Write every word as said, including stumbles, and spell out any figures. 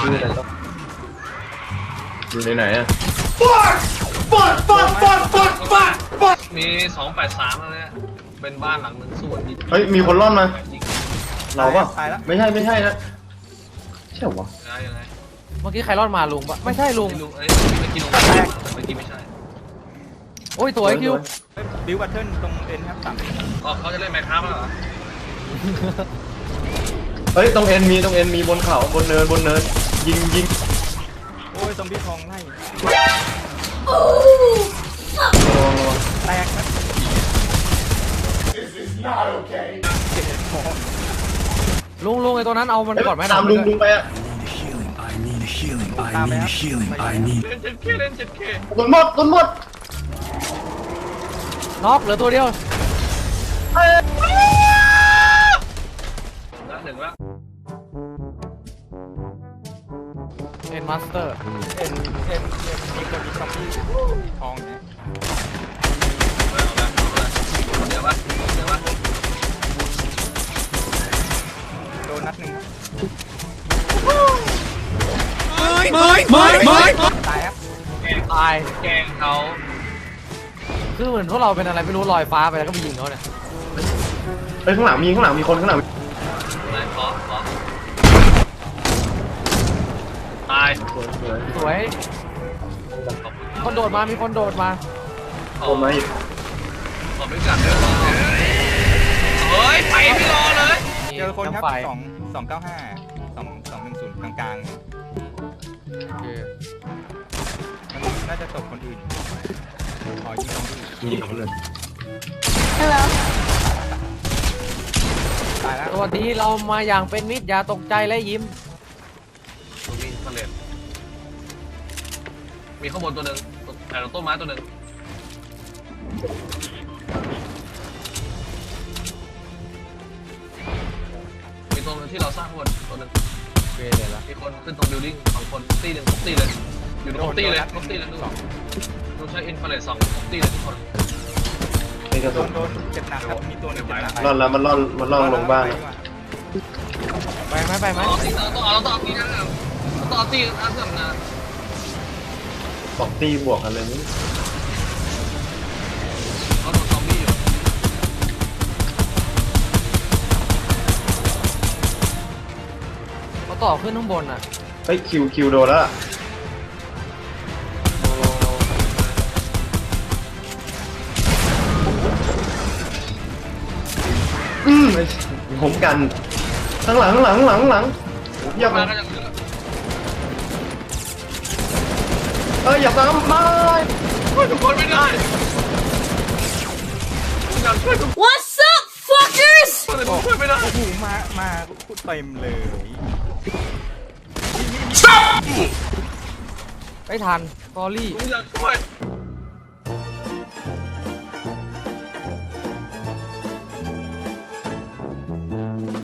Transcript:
อยู่ไหนต้องอยู่ในไหนอะมีสองแปดสามแล้วเนี่ยเป็นบ้านหลังหนึ่งส่วนนี้เฮ้ยมีคนร่อนมายิงเราปะตายแล้วไม่ใช่ไม่ใช่นะใช่เหรอวะได้ยังไงเมื่อกี้ใครรอดมาลุงปะไม่ใช่ลุงไม่รู้เอ้ยเมื่อกี้ลงเมื่อกี้ไม่ใช่โอ้ยตัวไอ้คิวบิวบัตเทิลตรงเอ็นครับสามอ๋อเขาจะเล่นแมคคาร์แล้วเหรอเฮ้ยตรงเอ็นมีตรงเอ็นมีบนเขาบนเนินบนเนินยิงยิงโอ้ยซอมบี้ทองไล่ระวังระวังแตกนะลุงลุงไอ้ตัวนั้นเอามันก่อนไหมตามลุงลุงไปอะตามไปครับเล่นเจ็ดเคเล่นเจ็ดเคโดนหมดโดนหมดน็อกเหลือตัวเดียวละหนึ่งละเอ็นมาสเตอร์เอ็นเอ็นเอ็นมีคนมีซอมบี้ทองเนี่ยเอาละเอาละเดี๋ยววะเดี๋ยววะโดนนัดหนึ่งครับตายครับแกงตายแกงเขาคือเหมือนพวกเราเป็นอะไรไม่รู้ลอยฟ้าไปแล้วก็ไปยิงเขาเนี่ยเฮ้ยข้างหลังมีข้างหลังมีคนข้างหลังไหนขอขอตายสวยสวยสวยคนโดดมามีคนโดดมาขอคนมาอีกขอไม่กัดด้วยวะเฮ้ยไปไม่รอเลยเจอคนครับไฟสองสองเก้าห้าสองสองหนึ่งศูนย์กลางกลางโอเคๆมันน่าจะตกคนอื่นขอยิงซอมบี้ยิงเขาเลยตายแล้วสวัสดีเรามาอย่างเป็นมิตรอย่าตกใจและยิ้มตรงนี้ทะเลมีข้างบนตัวหนึ่งแต่ต้นไม้ตัวหนึ่งมีตัวหนึงที่เราสร้างข้างบนตัวหนึ่งโอเคเดี๋ยวละมีคนขึ้นตรงบิลดิ้งสองคนตีหนึ่งทุกตีเลย อยู่ในทุกตีเลยทุกตีเลยดูดูใช้อินฟราเรดสองทุกตีเลยทุกคนนี่กระโดสุนนโดนเจ็บหนักครับมีตัวหนึงเจ็บหนักร่อนแล้วมันร่อนมันร่อนลงบ้านแล้วไปไหมไปไหมเอาตีต้องเอาต้องเอาตีนะต้องเอาตีนะเสื่อมนะสองตีบวกกันเลยนี่เขาโดนซอมบี้อยู่เขาต่อขึ้นข้างบนอ่ะเฮ้ยคิวคิวโดนแล้วล่ะอืมผมกันข้างหลังข้างหลังข้างหลังข้างหลังเยี่ยมมามาก็จะเหลือเอ้ยอย่าตามมาทุกคนไม่ได้อยากช่วยทุกคน What's up fuckers แต่ผมช่วยไม่ได้โอ้โหมามาพูดเต็มเลยไม่ทันกอรี่ผมอยากช่วย